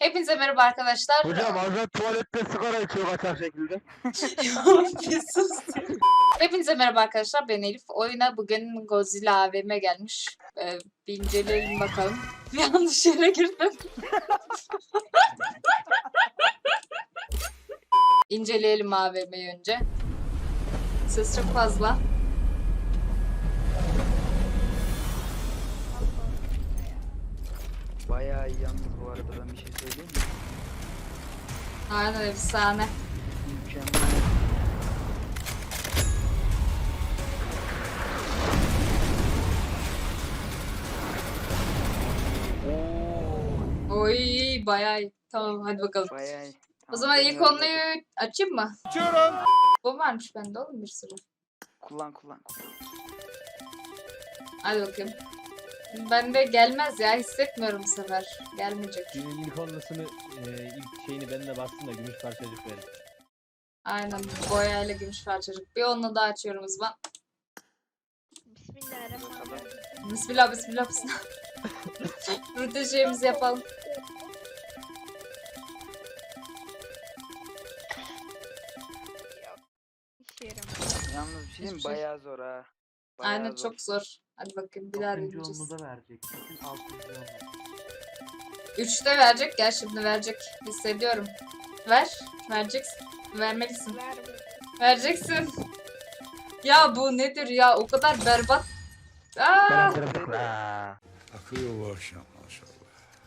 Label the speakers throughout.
Speaker 1: Hepinize merhaba arkadaşlar.
Speaker 2: Hocam Azat tuvalette sigara içiyor kaçak şekilde.
Speaker 1: Bir sus. Hepinize merhaba arkadaşlar. Ben Elif. Oyuna bugün Godzilla AVM gelmiş. Bir inceleyelim bakalım. Yanlış yere girdim. İnceleyelim AVM'yi önce. Ses çok fazla.
Speaker 3: Bayağı iyi yalnız bu arada, ben bir şey söyleyeyim mi?
Speaker 1: Aynen efsane.
Speaker 3: Mükemmel. Oo,
Speaker 1: Oy bayağı iyi. Tamam hadi bakalım.
Speaker 3: bayağı iyi.
Speaker 1: O zaman ilk
Speaker 3: deniyoruz
Speaker 1: konuyu
Speaker 3: hadi.
Speaker 1: açayım mı?
Speaker 2: Açıyorum.
Speaker 1: Bu varmış bende oğlum bir sürü.
Speaker 3: Kullan.
Speaker 1: Hadi bakayım. Bende gelmez ya, hissetmiyorum bu sefer. Gelmeyecek.
Speaker 4: İlk onlusunu, ilk şeyini ben de bastım da gümüş parçacık verin.
Speaker 1: Aynen, boyayla gümüş parçacık. Bir onunla daha açıyorum o zaman.
Speaker 5: Bismillahirrahmanirrahim.
Speaker 1: Bismillah bismillah bismillah. Rutin şeyimizi yapalım.
Speaker 5: İşe yaramadı.
Speaker 3: Yalnız bir şey diyeyim mi?
Speaker 1: Hiçbir şey.
Speaker 3: Bayağı zor ha. Bayağı
Speaker 1: Aynen
Speaker 3: zor.
Speaker 1: çok zor. Hadi bakayım bir daha
Speaker 6: Altıncı
Speaker 1: deneyeceğiz.
Speaker 6: onu da verecek. Kesin 6. onu.
Speaker 1: 3'te verecek, gel şimdi verecek. Hissediyorum. Ver. Vereceksin. Vermelisin.
Speaker 5: Ver.
Speaker 1: Vereceksin. Ya bu nedir ya? O kadar berbat. Aa!
Speaker 7: Akıyor bu akşam maşallah.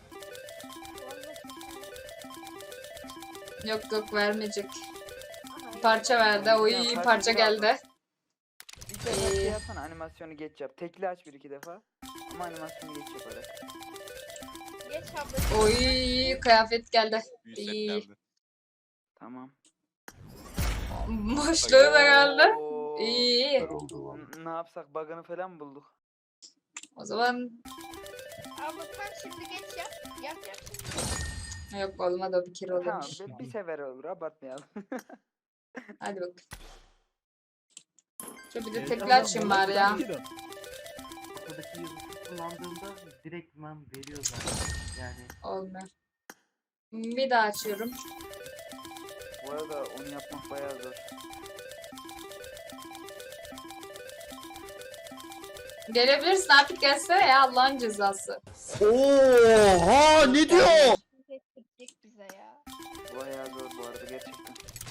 Speaker 1: Yok yok vermeyecek. Parça verdi. Oy parça geldi.
Speaker 3: Bir sefer şey yapsana, animasyonu geç yap. Tekli aç bir iki defa. Ama animasyonu geç yaparak.
Speaker 5: Geç abla.
Speaker 1: Oy kıyafet geldi. İyi.
Speaker 3: Tamam.
Speaker 1: Boşluğu da geldi.
Speaker 3: Oo.
Speaker 1: İyi.
Speaker 3: Ne yapsak, bug'ını falan mı bulduk?
Speaker 1: O zaman
Speaker 5: Abla tam şimdi geç yap. Yap şimdi.
Speaker 1: yok olmadı, o bir kere
Speaker 3: Tamam,
Speaker 1: olmuş.
Speaker 3: bir sefer olur, abartmayalım.
Speaker 1: Hadi bak. Şu bir de tekli açayım bari ya.
Speaker 6: Ortadaki yazısı kullandığında direktman veriyor zaten. Yani
Speaker 1: Olmuyor. Bir daha açıyorum.
Speaker 3: Bu arada onu yapmak bayağı zor.
Speaker 1: Gelebilirsin artık, gelsene ya, Allah'ın cezası.
Speaker 2: Oha ne diyor?
Speaker 5: Geçecek bize ya.
Speaker 3: Bayağı zor bu arada gerçekten.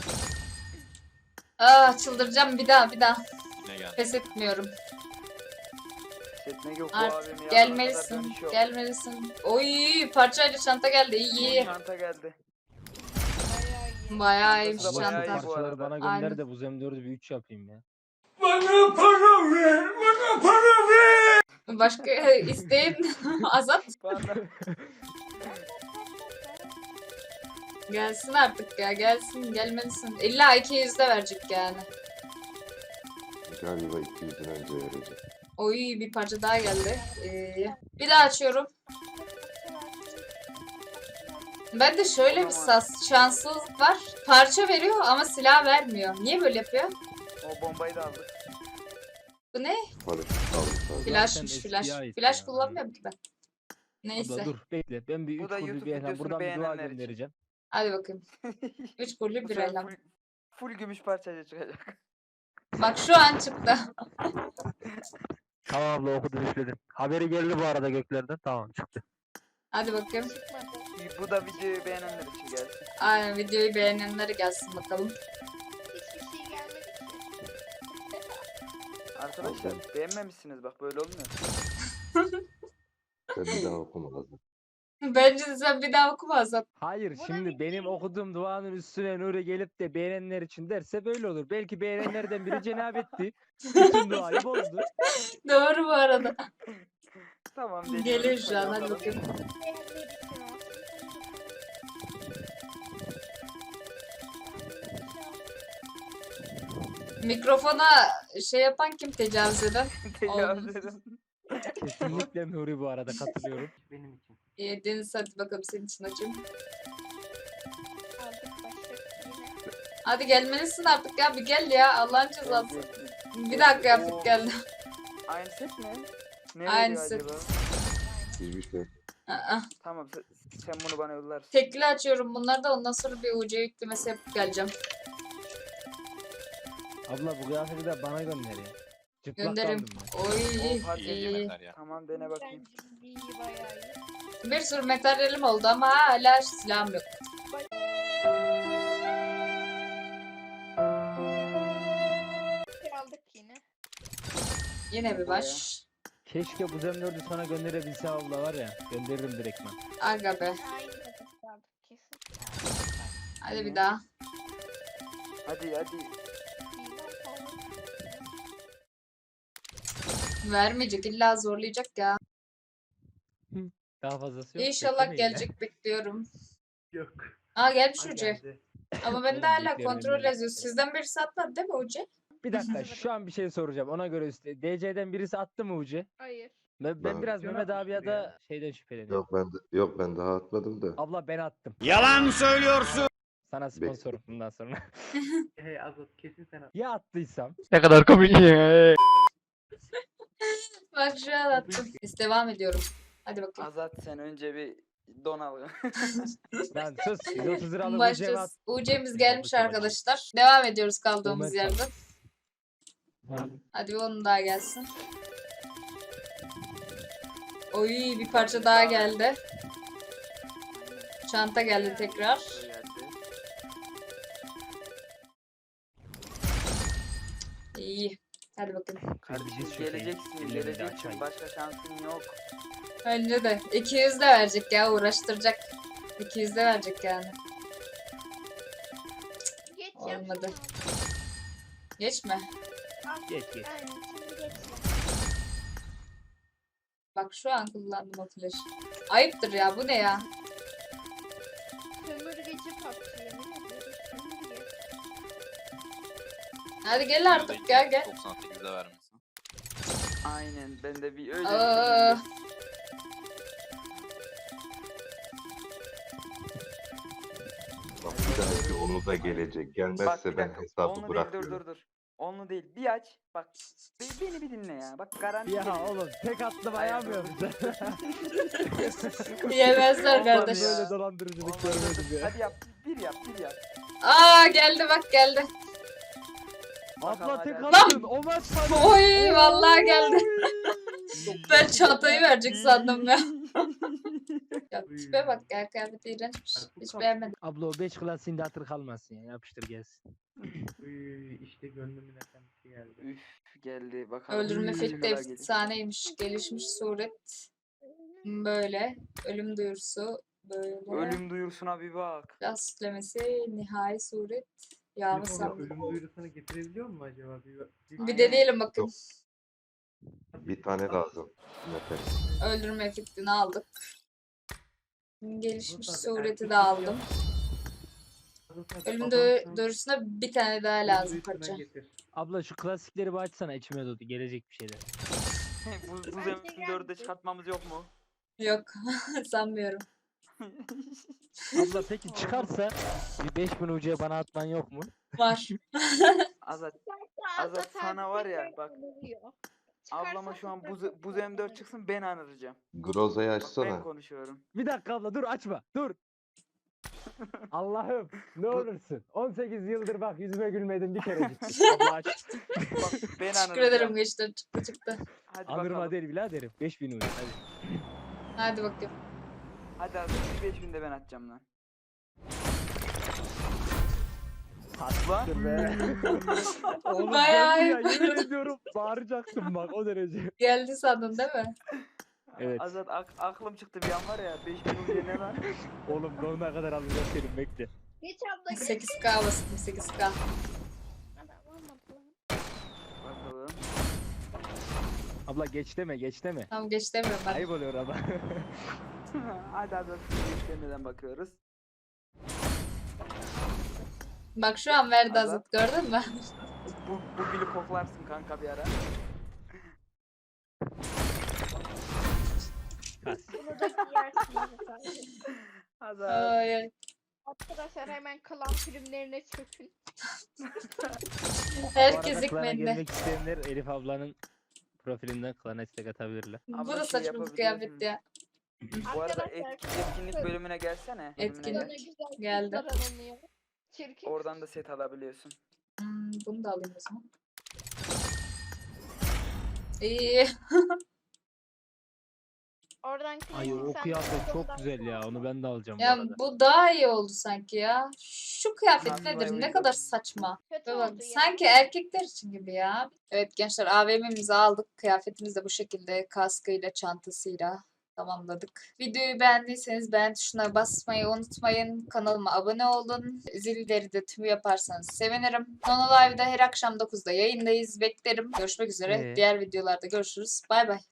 Speaker 1: Çıldıracağım bir daha.
Speaker 7: Ne geldi?
Speaker 1: Pes etmiyorum.
Speaker 3: Hissetmek yok bu
Speaker 1: Artık
Speaker 3: abim ya.
Speaker 1: gelmelisin. Gelmelisin. Oy parçayla çanta geldi. İyi.
Speaker 3: Çanta geldi.
Speaker 5: Bayağı iyi.
Speaker 1: Bayağı iyiymiş
Speaker 3: Çantası da bayağı
Speaker 1: çanta.
Speaker 3: iyi bu
Speaker 4: Parçaları
Speaker 3: arada.
Speaker 4: bana gönder
Speaker 1: Aynen.
Speaker 4: de bu Z4'ü bir 3 yapayım ya.
Speaker 1: Başka isteğin Azat.
Speaker 3: Bana
Speaker 1: Gelsin artık ya, gelsin, gelmelisin. İlla 200'de verecek yani.
Speaker 8: Galiba 200'den önce verecek.
Speaker 1: Oy bir parça daha geldi. Bir daha açıyorum. Ben de şöyle bir şanssızlık var. Parça veriyor ama silah vermiyor. Niye böyle yapıyor?
Speaker 3: o bombayı da aldık.
Speaker 1: Bu ne?
Speaker 8: Paraşüt aldı.
Speaker 1: Flashmış
Speaker 4: eskiye
Speaker 1: flash.
Speaker 4: ait
Speaker 1: Flash
Speaker 4: ya.
Speaker 1: kullanmıyorum ki ben. Neyse.
Speaker 4: Abla dur bekle, ben bir
Speaker 3: Bu
Speaker 4: 3
Speaker 3: da
Speaker 4: kurdu
Speaker 3: YouTube
Speaker 4: bir elham
Speaker 3: videosunu
Speaker 4: buradan bir dua
Speaker 3: beğenenler için.
Speaker 4: göndereceğim.
Speaker 1: Hadi bakayım. 3 kurulu
Speaker 3: Bu
Speaker 1: bir
Speaker 3: sefer
Speaker 1: elham.
Speaker 3: full gümüş parçayla çıkacak.
Speaker 1: Bak şu an çıktı.
Speaker 2: Tamam abla okudum üfledim. Haberi geldi bu arada göklerden. Tamam çıktı.
Speaker 1: Hadi bakayım.
Speaker 5: Çıkmadı.
Speaker 3: Bu da videoyu beğenenler için gelsin.
Speaker 1: Aynen, videoyu beğenenlere gelsin bakalım.
Speaker 5: Hiçbir şey gelmedi ki.
Speaker 3: Arkadaşlar beğenmemişsiniz, bak böyle olmuyor.
Speaker 8: Ben bir daha okumadım.
Speaker 1: Bence de sen bir daha okuma Azat.
Speaker 4: Hayır,
Speaker 5: Bu da
Speaker 4: şimdi
Speaker 5: bir
Speaker 4: benim
Speaker 5: şey.
Speaker 4: okuduğum duanın üstüne Nuri gelip de beğenenler için derse böyle olur. Belki beğenenlerden biri cenabetti. Bütün duayı bozdu.
Speaker 1: Doğru bu arada.
Speaker 3: Tamam deniyoruz.
Speaker 1: Geliyor şu an, hadi
Speaker 3: bakalım.
Speaker 1: bakayım.
Speaker 5: Beğenmeyi düşünüyorum.
Speaker 1: Mikrofona şey yapan kim, tecavüz eden?
Speaker 3: Tecavüz edin.
Speaker 4: Kesinlikle Nuri bu arada, katılıyorum.
Speaker 6: benim için.
Speaker 1: Deniz hadi bakalım senin için açayım.
Speaker 5: Aldık başlık yine.
Speaker 1: Hadi gelmelisin artık ya, bir gel ya, Allah'ın cezası. Bir daha
Speaker 3: Oo.
Speaker 1: kıyafet geldi.
Speaker 3: Aynı set mi? Ne
Speaker 1: Aynı
Speaker 3: veriyor
Speaker 1: set.
Speaker 3: acaba?
Speaker 8: Hiçbir şey.
Speaker 1: Aa,
Speaker 3: Tamam Sen bunu bana yollarsın.
Speaker 1: Tekli açıyorum bunları da ondan sonra bir UC yüklemesi yapıp geleceğim.
Speaker 4: Abla bu kıyafeti de bana gönder ya. Çıplak
Speaker 1: Gönderirim.
Speaker 4: kaldım ben.
Speaker 1: Oy.
Speaker 3: O parça
Speaker 7: İyi
Speaker 1: iyi.
Speaker 7: yemekler ya.
Speaker 3: Tamam dene bakayım.
Speaker 5: Bence iyi bayağı iyi.
Speaker 1: Bir sürü materyalim oldu ama hala silahım yok.
Speaker 5: Aldık yine.
Speaker 1: Yine bir baş.
Speaker 4: Keşke bu zemlörde sana gönderebilse abla var ya. Gönderirim direktman.
Speaker 1: Aga be.
Speaker 5: Aynı nefes aldık kesin.
Speaker 1: Hadi bir daha.
Speaker 3: Hadi.
Speaker 5: İyi lan,
Speaker 1: Vermeyecek illa zorlayacak ya.
Speaker 4: Daha fazlası yok.
Speaker 1: İnşallah
Speaker 4: beklemeyin ya.
Speaker 1: gelecek bekliyorum.
Speaker 6: Yok.
Speaker 1: Aa gelmiş
Speaker 6: Ha,
Speaker 1: UC.
Speaker 6: geldi.
Speaker 1: Ama ben de
Speaker 4: Oğlum,
Speaker 1: hala
Speaker 4: büyüklerim
Speaker 1: kontrol
Speaker 4: benim.
Speaker 1: yazıyor. Sizden birisi atmadı değil mi UC?
Speaker 4: Bir dakika şu an bir şey soracağım. Ona göre DC'den birisi attı mı Uci?
Speaker 5: Hayır.
Speaker 4: Ben
Speaker 8: Ben-
Speaker 4: biraz
Speaker 6: Can
Speaker 4: Mehmet abi ya
Speaker 6: atmıştır
Speaker 4: da şeyden şüpheleniyorum.
Speaker 8: Yok ben daha atmadım da.
Speaker 4: Abla ben attım.
Speaker 7: Yalan söylüyorsun.
Speaker 4: Sana sponsorum bundan sonra.
Speaker 6: Hey Azat kesin sen at.
Speaker 4: Ya attıysam?
Speaker 1: Bak şu an attım. Biz devam ediyorum. Hadi bakayım.
Speaker 3: Azat sen önce bir don al.
Speaker 4: Lan sus. 130 liralık Uci'ye
Speaker 1: Başlıyoruz.
Speaker 4: at.
Speaker 1: UC'miz gelmiş arkadaşlar. Devam ediyoruz kaldığımız
Speaker 4: Moment
Speaker 1: yerden. Hadi bir onun daha gelsin. Oy bir parça daha geldi. Çanta geldi tekrar. İyi. Hadi bakayım.
Speaker 4: Kardeşiz şu şeyi.
Speaker 3: Geleceksin,
Speaker 4: Ellerini de
Speaker 3: geleceksin.
Speaker 4: açayım.
Speaker 3: Başka şansın yok.
Speaker 1: Bence de. 200 de verecek ya uğraştıracak. 200 de verecek yani.
Speaker 5: Geç
Speaker 1: Olmadı.
Speaker 5: yapsana.
Speaker 1: Geçme.
Speaker 5: Al.
Speaker 4: Geç geç.
Speaker 5: Aynen şimdi geçme.
Speaker 1: Bak şu an kullandım o flash. Ayıptır ya bu ne ya?
Speaker 5: Sömürgeci PUBG yemin ediyorum. Sömürge.
Speaker 1: Hadi gel artık ya gel.
Speaker 7: 98'de vermişsin.
Speaker 3: Aynen ben de bir öyle
Speaker 1: Aa,
Speaker 3: düşündüm.
Speaker 8: Bak bir dahaki onu da gelecek.
Speaker 3: Bak
Speaker 8: Gelmezse
Speaker 3: bir
Speaker 8: ben
Speaker 3: dakika.
Speaker 8: hesabı
Speaker 3: Onlu değil
Speaker 8: bırakıyorum.
Speaker 3: dur. Onlu değil. Bir aç. Bak beni bir dinle ya. Bak garanti
Speaker 4: Ya
Speaker 3: geliyor.
Speaker 4: oğlum tek attım ayağımıyorum.
Speaker 1: yemezler
Speaker 3: Olmadı
Speaker 1: kardeş.
Speaker 3: ya.
Speaker 4: Böyle dolandırıcılık
Speaker 3: Olmadı,
Speaker 4: görmedim
Speaker 3: dur.
Speaker 4: ya.
Speaker 3: Hadi yap. Bir yap.
Speaker 1: Aa geldi bak geldi.
Speaker 4: Abla tek
Speaker 3: Lan!
Speaker 4: attın. O maç sana.
Speaker 1: Oy vallahi geldi. Ben çantayı verecek sandım ya. Ya tipe bak ya kıyafeti iğrençmiş. Hiç beğenmedim.
Speaker 4: Abla o 5 klasiğinde hatır kalmasın ya. Yapıştır gelsin.
Speaker 6: Uy, işte gönlümün efendisi geldi.
Speaker 3: Üf geldi. Bakalım.
Speaker 1: Öldürme
Speaker 3: Üf,
Speaker 1: efekti
Speaker 3: neler gelecek.
Speaker 1: efsaneymiş. Gelişmiş suret. Böyle. Ölüm duyurusu. Böyle.
Speaker 3: Ölüm duyurusuna bir bak.
Speaker 1: Silah süslemesi. Nihai suret. Yağmur
Speaker 6: Telefona
Speaker 1: sandım.
Speaker 6: ölüm duyurusunu getirebiliyor mu acaba?
Speaker 1: Bir deneyelim bakın.
Speaker 8: Yok. Bir tane lazım. Yeter.
Speaker 1: Öldürme efektini aldık. Gelişmiş
Speaker 6: Tabii,
Speaker 1: sureti
Speaker 6: erkek
Speaker 1: de aldım.
Speaker 6: Azat abi,
Speaker 1: Ölüm
Speaker 6: adamsın,
Speaker 1: duyurusuna bir tane daha
Speaker 6: ölüm
Speaker 1: lazım
Speaker 6: duyurusuna
Speaker 1: parça.
Speaker 6: getir.
Speaker 4: Abla şu klasikleri bir açsana içime doğdu. Gelecek bir şeyler.
Speaker 3: bu
Speaker 5: Bence
Speaker 3: zemin dörde
Speaker 5: geldi.
Speaker 3: çıkartmamız yok mu?
Speaker 1: Yok sanmıyorum.
Speaker 4: Abla peki çıkarsa bir 5000 ucuya bana atman yok mu?
Speaker 1: Var.
Speaker 3: Azat
Speaker 5: Azat
Speaker 3: Azat sana var ya, bak,
Speaker 5: Çıkarsa
Speaker 3: ablama şu an buz M4 çıksın ben anıracağım.
Speaker 8: Groza'yı
Speaker 3: Bak ben
Speaker 8: açsana.
Speaker 3: konuşuyorum.
Speaker 4: Bir dakika abla dur açma dur. Allah'ım ne olursun. 18 yıldır bak yüzüme gülmedin bir kere gittin. Abla aç.
Speaker 3: Bak ben
Speaker 1: Teşekkür
Speaker 3: anıracağım.
Speaker 1: ederim gençler. Çıktı.
Speaker 3: Hadi
Speaker 4: Anırma
Speaker 3: bakalım.
Speaker 4: değil biraderim. 5000 ucu hadi.
Speaker 1: Hadi bakayım.
Speaker 3: Hadi Azat 5000 de ben atacağım lan.
Speaker 4: Dur be. Oğlum
Speaker 1: Bayağı
Speaker 4: geldi ya
Speaker 1: iyi.
Speaker 4: yemin ediyorum bağıracaktım bak o derece.
Speaker 1: Geldi sandın değil mi?
Speaker 4: Evet.
Speaker 3: Azat aklım çıktı bir an var ya 5000 ucuya ne lan?
Speaker 4: Oğlum sonuna kadar alacağım senin bekle.
Speaker 5: Geç abla geç.
Speaker 1: 8K bastım 8K.
Speaker 5: Adam olmadı lan.
Speaker 3: Bakalım.
Speaker 4: Abla geç deme geç deme.
Speaker 1: Tamam geç demiyorum ben.
Speaker 4: Ayıp oluyor ama.
Speaker 3: Hadi Azat istemeden bakıyoruz.
Speaker 1: Bak şu an verdi
Speaker 3: Azat.
Speaker 1: Azat gördün mü?
Speaker 3: Bu gülü koklarsın kanka bir ara.
Speaker 5: Bunu da giyersin Azat abi.
Speaker 3: Azat.
Speaker 1: Ay, ay.
Speaker 5: Arkadaşlar hemen klan filmlerine çökün.
Speaker 1: Herkes
Speaker 4: Bu arada klana
Speaker 1: ekmeğinde.
Speaker 4: gelmek isteyenler Elif ablanın profilinden klana istek atabilirler.
Speaker 1: Bu
Speaker 3: Abla
Speaker 1: da
Speaker 3: şey
Speaker 1: saçma bir
Speaker 3: yapabiliyor
Speaker 1: kıyafet
Speaker 3: musun?
Speaker 1: ya.
Speaker 3: Bu arada
Speaker 5: Arkadaşlar,
Speaker 3: etkinlik bölümüne gelsene. bölümüne
Speaker 1: Etkinlik.
Speaker 3: gel.
Speaker 5: Sonra güzel
Speaker 1: Geldi.
Speaker 5: kızlar aranıyor. Çirkin.
Speaker 3: Oradan da set alabiliyorsun.
Speaker 1: Bunu da alayım o zaman. İyi.
Speaker 5: Oradan
Speaker 4: Ay
Speaker 5: klasik
Speaker 4: o
Speaker 5: sen
Speaker 4: kıyafet çok
Speaker 5: oradan
Speaker 4: güzel ya. Onu ben de alacağım bu
Speaker 1: Ya
Speaker 4: arada.
Speaker 1: bu daha iyi oldu sanki ya. Şu kıyafet
Speaker 3: Nasıl
Speaker 1: nedir? Ne
Speaker 3: uygun?
Speaker 1: kadar saçma.
Speaker 5: kötü
Speaker 1: Bak,
Speaker 5: oldu ya.
Speaker 1: sanki erkekler için gibi ya. Evet gençler AVM'mizi aldık. Kıyafetimiz de bu şekilde kaskıyla, çantasıyla tamamladık. Videoyu beğendiyseniz beğen tuşuna basmayı unutmayın. Kanalıma abone olun. Zilleri de tüm yaparsanız sevinirim. Nono Live'da her akşam 9'da yayındayız. Beklerim. Görüşmek üzere. Diğer videolarda görüşürüz. Bay bay.